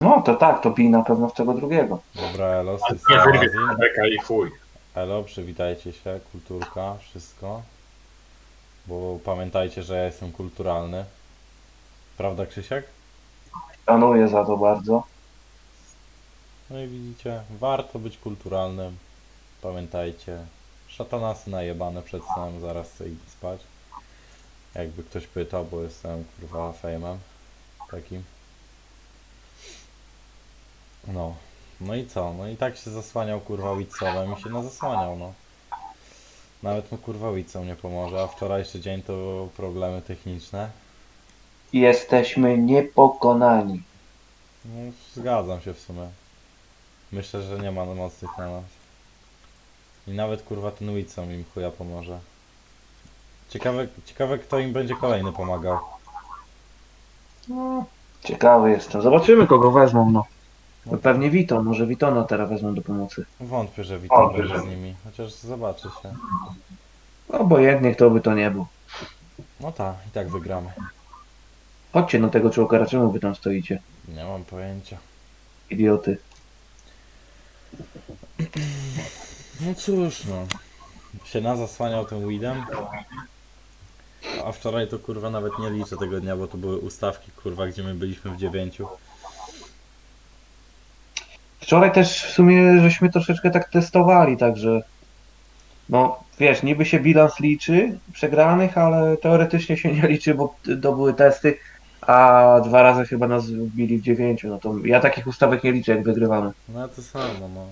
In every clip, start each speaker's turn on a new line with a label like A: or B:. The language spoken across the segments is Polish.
A: No to tak, to bij na pewno w tego drugiego.
B: Dobra, elo, z
C: A
B: tej
C: nie
B: strony
C: wyrwie
B: Azji.
C: beka i chuj.
B: Elo, przywitajcie się, kulturka, wszystko. Bo pamiętajcie, że ja jestem kulturalny. Prawda, Krzysiek?
A: Szanuję za to bardzo.
B: No i widzicie, warto być kulturalnym. Pamiętajcie, szatanasy najebane przed snem, zaraz chcę iść spać. Jakby ktoś pytał, bo jestem kurwa fejmem takim. No. No i co? No i tak się zasłaniał kurwa Witsowem i się nazasłaniał, no. Nawet mu kurwa Witsow nie pomoże, a wczorajszy dzień to problemy techniczne.
A: Jesteśmy niepokonani.
B: No, zgadzam się w sumie. Myślę, że nie ma mocnych na nas. I nawet kurwa ten Witsow im chuja pomoże. Ciekawe kto im będzie kolejny pomagał.
A: No, ciekawy jestem. Zobaczymy, kogo wezmą, no.
B: No
A: No
B: to
A: pewnie Vito, może Vitona teraz wezmą do pomocy.
B: wątpię, że Witon będzie z nimi. Chociaż zobaczy się.
A: Obojętnie, kto by to nie był.
B: No tak, i tak wygramy.
A: Chodźcie na tego człowieka, czemu wy tam stoicie?
B: Nie mam pojęcia.
A: Idioty.
B: No cóż no. Się nazasłaniał tym weedem. A wczoraj to kurwa nawet nie liczę tego dnia, bo to były ustawki kurwa, gdzie my byliśmy w 9.
A: Wczoraj też w sumie żeśmy troszeczkę tak testowali, także no wiesz, niby się bilans liczy przegranych, ale teoretycznie się nie liczy, bo to były testy, a dwa razy chyba nas wbili w 9. No to ja takich ustawek nie liczę, jak wygrywamy.
B: No to samo no.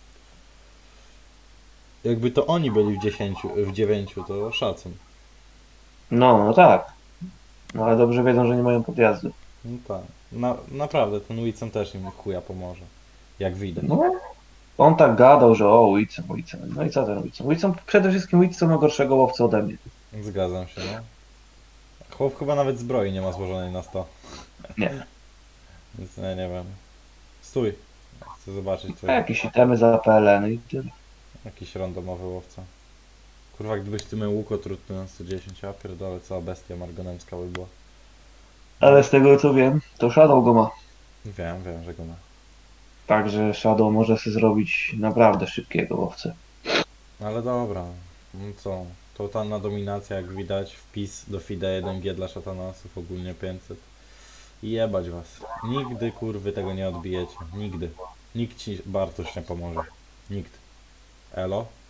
B: Jakby to oni byli w 10, w 9, to szacun.
A: No tak. No ale dobrze wiedzą, że nie mają podjazdu.
B: No tak. Naprawdę, ten Wilson też im chuja pomoże. Jak widać.
A: No, on tak gadał, że o, Wilson, Wilson. No i co ten Wilson? Wilson, przede wszystkim Wilson ma gorszego łowcę ode mnie.
B: Zgadzam się, no. Chłop chyba nawet zbroi nie ma złożonej na 100.
A: Nie.
B: Więc ja nie wiem. Stój. Chcę zobaczyć
A: A
B: twój
A: jakieś itemy za PLN i tyle.
B: jakiś randomowy łowca. Kurwa, gdybyś ty miał łuk otrutny na 110, ja pierdolę, cała bestia margonemska by była.
A: Ale z tego co wiem, to Shadow go ma.
B: Wiem, że go ma.
A: Także Shadow może sobie zrobić naprawdę szybkiego łowcę.
B: Ale dobra, no co? Totalna dominacja, jak widać, wpis do FIDE 1G dla szatanasów, ogólnie 500. I jebać was. Nigdy kurwy tego nie odbijecie. Nigdy. Nikt ci Bartosz nie pomoże. Nikt. Elo?